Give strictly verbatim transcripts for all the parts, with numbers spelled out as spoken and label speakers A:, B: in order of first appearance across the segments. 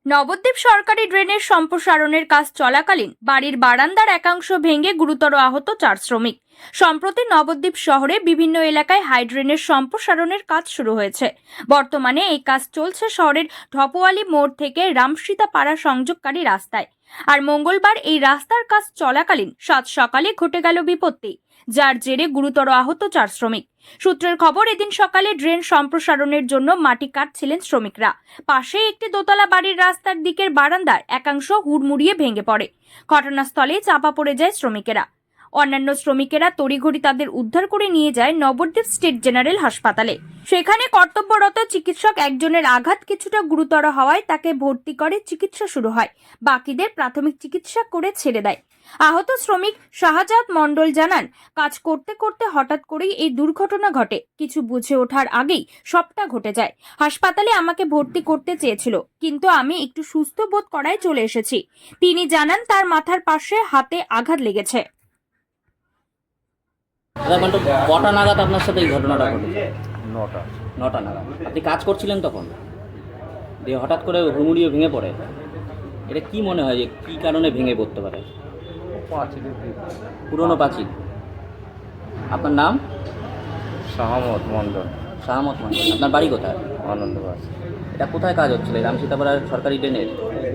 A: নবদ্বীপ সরকারি ড্রেনের সম্প্রসারণের কাজ চলাকালীন বাড়ির বারান্দার একাংশ ভেঙে গুরুতর আহত চার শ্রমিক। সম্প্রতি নবদ্বীপ শহরে বিভিন্ন এলাকায় হাই ড্রেনের সম্প্রসারণের কাজ শুরু হয়েছে। বর্তমানে এই কাজ চলছে শহরের ঢপওয়ালি মোড় থেকে রামসীতা পাড়া সংযোগকারী রাস্তায়। আর মঙ্গলবার এই রাস্তার কাজ চলাকালীন সাত সকালে ঘটে গেল বিপত্তি, যার জেরে গুরুতর আহত চার শ্রমিক। সূত্রের খবর, এদিন সকালে ড্রেন সম্প্রসারণের জন্য মাটি কাটছিলেন শ্রমিকরা। পাশে একটি দোতলা বাড়ির রাস্তার দিকের বারান্দার একাংশ হুড়মুড়িয়ে ভেঙে পড়ে। ঘটনাস্থলে চাপা পড়ে যায় শ্রমিকেরা। অন্যান্য শ্রমিকেরা তড়িঘড়ি তাদের উদ্ধার করে নিয়ে যায় নবদ্বীপ স্টেট জেনারেল হাসপাতালে। সেখানে কর্তব্যরত চিকিৎসক একজনের আঘাত কিছুটা গুরুতর হওয়ায় তাকে ভর্তি করে চিকিৎসা শুরু হয়। বাকিদের প্রাথমিক চিকিৎসা করে ছেড়ে দেয়। আহত শ্রমিক শাহজাদ মণ্ডল জানান, কাজ করতে করতে হঠাৎ করেই এই দুর্ঘটনা ঘটে। কিছু বুঝে ওঠার আগেই সবটা ঘটে যায়। হাসপাতালে আমাকে ভর্তি করতে চেয়েছিল, কিন্তু আমি একটু সুস্থ বোধ করায় চলে এসেছি। তিনি জানান, তার মাথার পাশে হাতে আঘাত লেগেছে।
B: কটা নাগাদ আপনার সাথে এই ঘটনাটা ঘটেছে?
C: নটা
B: নটা নাগাদ। আপনি কাজ করছিলেন তখন, দিয়ে হঠাৎ করে হুড়মুড়িয়ে ভেঙে পড়ে। এটা কি মনে হয় যে কী কারণে ভেঙে পড়তে পারে?
C: পাঁচিলের
B: পুরনো পাঁচিল। আপনার নাম?
C: শাহমত মন্ডল।
B: শাহমত মন্ডল। আপনার বাড়ি কোথায়?
C: আনন্দবাস।
B: এটা কোথায় কাজ হচ্ছিল? রামসীতাপাড়ার সরকারি ড্রেনের।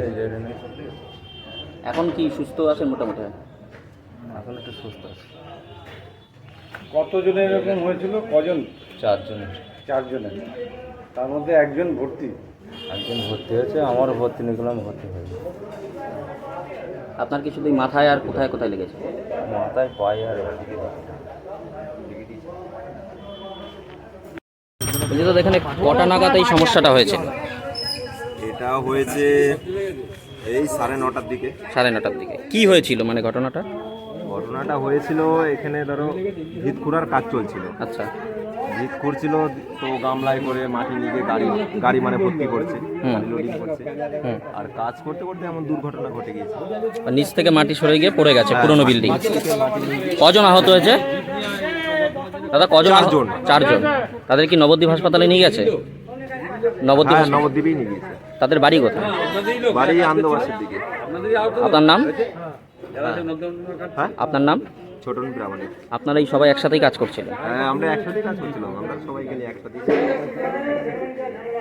B: এখন কি সুস্থ আছেন মোটামুটি?
C: এখন একটু সুস্থ আছে।
D: কতজনের এরকম হয়েছিল? কজন?
C: চারজনের।
D: চারজনের, তার মধ্যে একজন ভর্তি।
C: একজন ভর্তি হয়েছে, আমারও ভর্তি নিয়েছিলাম, ভর্তি হয়েছে।
B: আপনার কি শুধু মাথায় আর কোথায় কোথায় লেগেছে?
C: মাথায়, পায়ে আর এদিকে।
B: বলছি তো, এখানে কটা নাগাদ এই সমস্যাটা হয়েছে?
E: এটা হয়েছে এই সাড়ে নটার দিকে।
B: সাড়ে নটার দিকে। কি হয়েছিল মানে ঘটনাটা?
E: ঘটনাটা হয়েছিল, এখানে ধরো ভিত খুঁড়ার কাজ চলছিল।
B: আচ্ছা।
E: ভিত খুঁড়ছিল, তো গামলায় করে মাটি নিয়ে গাড়ি গাড়ি মানে ভর্তি করছে, গাড়ি লোডিং করছে। আর কাজ করতে করতে এমন দুর্ঘটনা ঘটে গিয়েছে।
B: আর নিচ থেকে মাটি সরে গিয়ে পড়ে গেছে পুরনো বিল্ডিং। কজন আহত হয়েছে দাদা? কজন?
E: চারজন।
B: চারজন। তাদের কি নবদ্বীপ হাসপাতালে নিয়ে গেছে? নবদ্বীপ
E: হ্যাঁ, নবদ্বীপেই নিয়ে গিয়েছে।
B: তাদের বাড়ি কোথায়?
E: বাড়ি আনন্দবাসের দিকে।
B: আপনার নাম?
E: হ্যাঁ,
B: আপনার নাম?
E: ছোটন প্রামাণিক।
B: আপনারা এই সবাই একসাথেই কাজ করছিলেন?
E: হ্যাঁ, আমরা একসাথেই কাজ করছিলাম, আমরা সবাই গেলে একসাথেই।